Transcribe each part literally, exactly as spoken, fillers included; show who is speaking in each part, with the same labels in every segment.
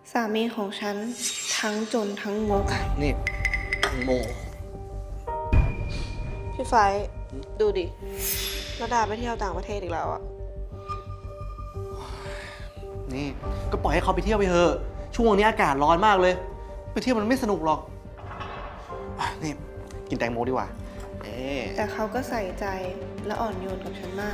Speaker 1: สามีของฉันทั้งจนทั้งงก
Speaker 2: นี่โม
Speaker 1: พี่ไฟดูดิระดาไปเที่ยวต่างประเทศอีกแล้วอะ
Speaker 2: นี่ก็ปล่อยให้เขาไปเที่ยวไปเถอะช่วงนี้อากาศร้อนมากเลยไปเที่ยวมันไม่สนุกหรอกอ่ะนี่กินแตงโมดีกว่าเอ๊ะ
Speaker 1: แต่เขาก็ใส่ใจและอ่อนโยนกับฉันมาก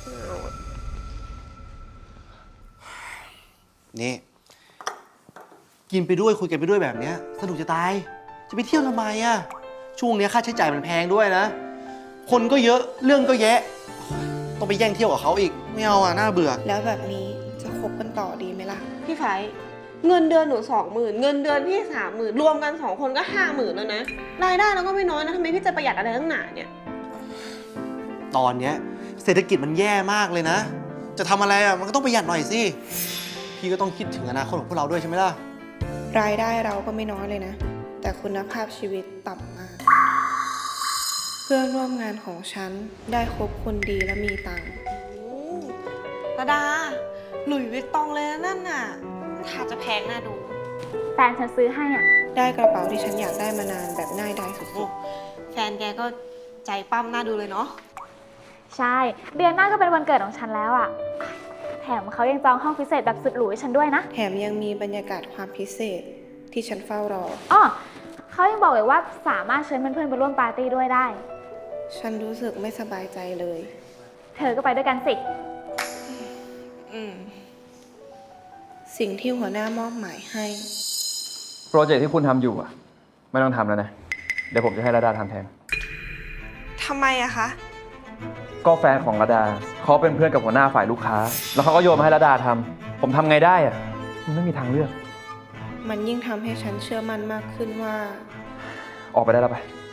Speaker 2: นี่กินไปด้วยคุยกันไปด้วยแบบเนี้ยสนุกจะตายจะไปเที่ยวทำไมอะช่วงนี้ค่าใช้จ่ายมันแพงด้วยนะคนก็เยอะเรื่องก็แยะต้องไปแย่งเที่ยวกับเขาอีกไม่เอาอ่ะน่าเบื่อ
Speaker 1: แล้วแบบนี้จะคบกันต่อดีไหมล่ะ
Speaker 3: พี่ไฟเงินเดือนหนูสองหมื่นเงินเดือนพี่สามหมื่นรวมกันสองคนก็ห้าหมื่นแล้วนะรายได้เราก็ไม่น้อยนะทำไมพี่จะประหยัดอะไรตั้งหนาเนี่ย
Speaker 2: ตอนเนี้ยเศรษฐกิจมันแย่มากเลยนะ จะทำอะไรอ่ะมันก็ต้องประหยัดหน่อยสิพี่ก็ต้องคิดถึงอนาคตของพวกเราด้วยใช่ไหมล่ะ
Speaker 1: รายได้เราก็ไม่น้อยเลยนะ แต่คุณภาพชีวิตต่ำมาก เพื่อนร่วมงานของฉันได้คบคนดีและมีตังค์
Speaker 3: ระดาหลุยส์วิตตองเลยนะนั่นน่ะถ้าจะแพงน่าดู
Speaker 4: แฟนฉันซื้อให้อ่ะ
Speaker 1: ได้กระเป๋าที่ฉันอยากได้มานานแบบง่ายดายสุ
Speaker 3: โอ้
Speaker 1: ด
Speaker 3: แฟนแกก็ใจปั้มน่าดูเลยเนาะ
Speaker 4: ใช่ เดือนหน้าก็เป็นวันเกิดของฉันแล้วอ่ะ แถมเขายังจองห้องพิเศษแบบสุดหรูให้ฉันด้วยนะ
Speaker 1: ๆ แถมยังมีบรรยากาศความพิเศษที่ฉันเฝ้ารอ
Speaker 4: อ้อเขายังบอกเลยว่าสามารถเชิญเพื่อนๆไปร่วมปาร์ตี้ด้วยได้
Speaker 1: ฉันรู้สึกไม่สบายใจเลย
Speaker 4: เธอก็ไปด้วยกันสิ
Speaker 3: อืม
Speaker 1: สิ่งที่หัวหน้ามอบหมายให้
Speaker 5: โปรเจกต์ที่คุณทำอยู่อ่ะ ไม่ต้องทำแล้วนะ เดี๋ยวผมจะให้ระดาทำแทน
Speaker 3: ทำไมอะคะ
Speaker 5: ก็แฟนของระดาเขาเป็นเพื่อนกับหัวหน้าฝ่ายลูกค้า แล้วเขาก็โยนมาให้ระดาทำผมทำไงได้อ่ะมันไม่มีทางเลือก
Speaker 1: มันยิ่งทำให้ฉันเชื่อมั่นมากขึ้นว่า
Speaker 5: ออกไปได้แล้วไป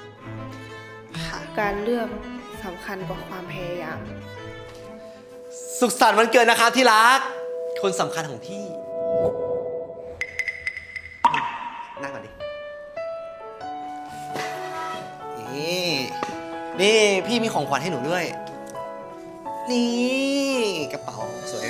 Speaker 1: การเลือกสำคัญกว่าความพยายาม
Speaker 2: สุขสันต์วันเกิดนะครับที่รักคนสำคัญของพี่นั่งก่อนดินี่นี่พี่มีของขวัญให้หนูด้วย นี่กระเป๋าสวยไหม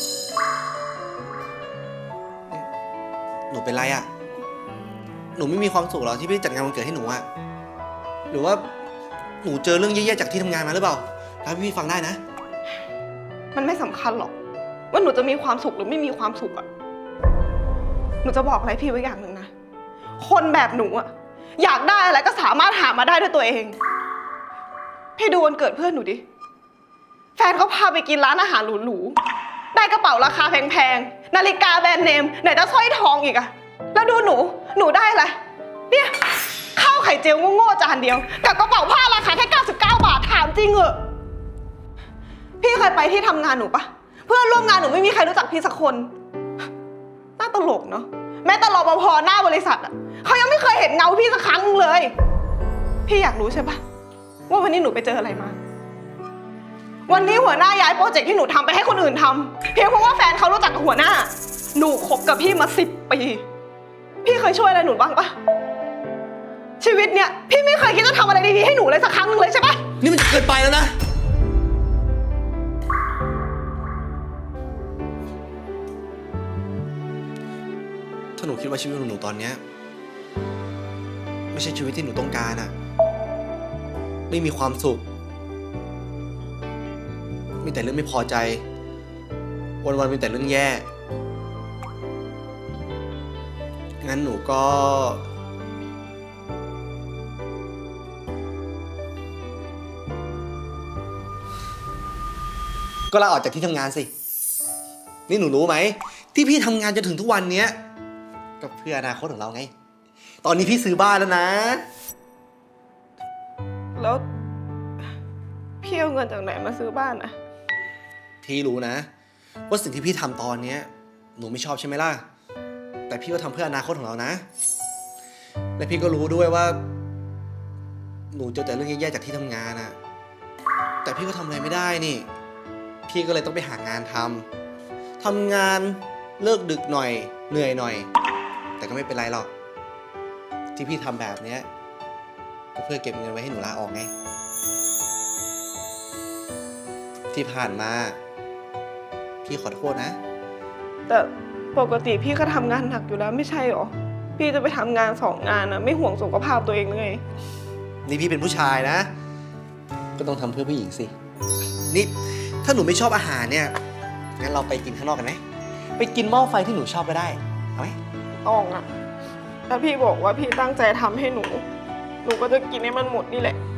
Speaker 2: หนูเป็นไรอะหนูไม่มีความสุขหรอที่พี่จัดงานวันเกิดให้หนูอะหรือว่าหนูเจอเรื่องแย่ๆจากที่ทำงานมาหรือเปล่าเล่าให้พี่ฟังได้นะ
Speaker 3: มันไม่สำคัญหรอกว่าหนูจะมีความสุขหรือไม่มีความสุขอะหนูจะบอกอะไรพี่ไว้อย่างหนึ่งนะ คนแบบหนูอะอยากได้อะไรก็สามารถหามาได้ด้วยตัวเอง พี่ดูวันเกิดเพื่อนหนูดิ แฟนเขาพาไปกินร้านอาหารหรูๆ ได้กระเป๋าราคาแพงๆ นาฬิกาแบรนด์เนมไหนจะสร้อยทองอีกอะแล้วดูหนู หนูได้อะไร เนี่ยข้าวไข่เจียวโง่ๆจานเดียว กับกระเป๋าผ้าราคาแค่เก้าสิบเก้าบาทถามจริงเหรอ พี่เคยไปที่ทำงานหนูปะเพื่อนร่วมงานหนูไม่มีใครรู้จักพี่สักคน น่าตลกเนาะแม้แต่รปภหน้าบริษัทอ่ะเขายังไม่เคยเห็นเงาพี่สักครั้งเลย พี่อยากรู้ใช่ปะว่าวันนี้หนูไปเจออะไรมา วันนี้หัวหน้าย้ายโปรเจกต์ที่หนูทำไปให้คนอื่นทำเพียงเพราะว่าแฟนเขารู้จักกับหัวหน้า หนูคบกับพี่มาสิบปี พี่เคยช่วยอะไรหนูบ้างปะชีวิตเนี้ยพี่ไม่เคยคิดจะทำอะไรดีๆให้หนูเลยสักครั้งหนึงเลยใช่ปะ
Speaker 2: นี่มันเกินไปแล้วนะ ถ้าหนูคิดว่าชีวิตของหนูตอนเนี้ยไม่ใช่ชีวิตที่หนูต้องการอะไม่มีความสุข มีแต่เรื่องไม่พอใจ วันๆมีแต่เรื่องแย่ งั้นหนูก็ ก็ลาออกจากที่ทำงานสิ นี่หนูรู้ไหม ที่พี่ทำงานจนถึงทุกวันเนี้ยก็เพื่ออนาคตของเราไง ตอนนี้พี่ซื้อบ้านแล้วนะ
Speaker 3: แล้วพี่เอาเงินจากไหนมาซื้อบ้านอะ
Speaker 2: พี่รู้นะ ว่าสิ่งที่พี่ทำตอนเนี้ยหนูไม่ชอบใช่ไหมล่ะ แต่พี่ก็ทำเพื่ออนาคตของเรานะ และพี่ก็รู้ด้วยว่า หนูเจอแต่เรื่องแย่ๆจากที่ทำงานอะแต่พี่ก็ทำอะไรไม่ได้นี่ พี่ก็เลยต้องไปหางานทำทำงานเลิกดึกหน่อย เหนื่อยหน่อย แต่ก็ไม่เป็นไรหรอก ที่พี่ทำแบบเนี้ยก็เพื่อเก็บเงินไว้ให้หนูลาออกไง ที่ผ่านมา พี่ขอโทษนะ
Speaker 3: แต่โปปกติพี่ก็ทำงานหนักอยู่แล้วไม่ใช่หรอ พี่จะไปทำงานสองงานนะไม่ห่วงสุขภาพตัวเองเลย
Speaker 2: นี่พี่เป็นผู้ชายนะ ก็ต้องทำเพื่อผู้หญิงสิ นี่ถ้าหนูไม่ชอบอาหารเนี่ย งั้นเราไปกินข้างนอกกันไหม ไปกินหม้อไฟที่หนูชอบก็ได้ เอาไหม
Speaker 3: ต้องอะถ้าพี่บอกว่าพี่ตั้งใจทำให้หนู หนูก็จะกินให้มันหมดนี่แหละ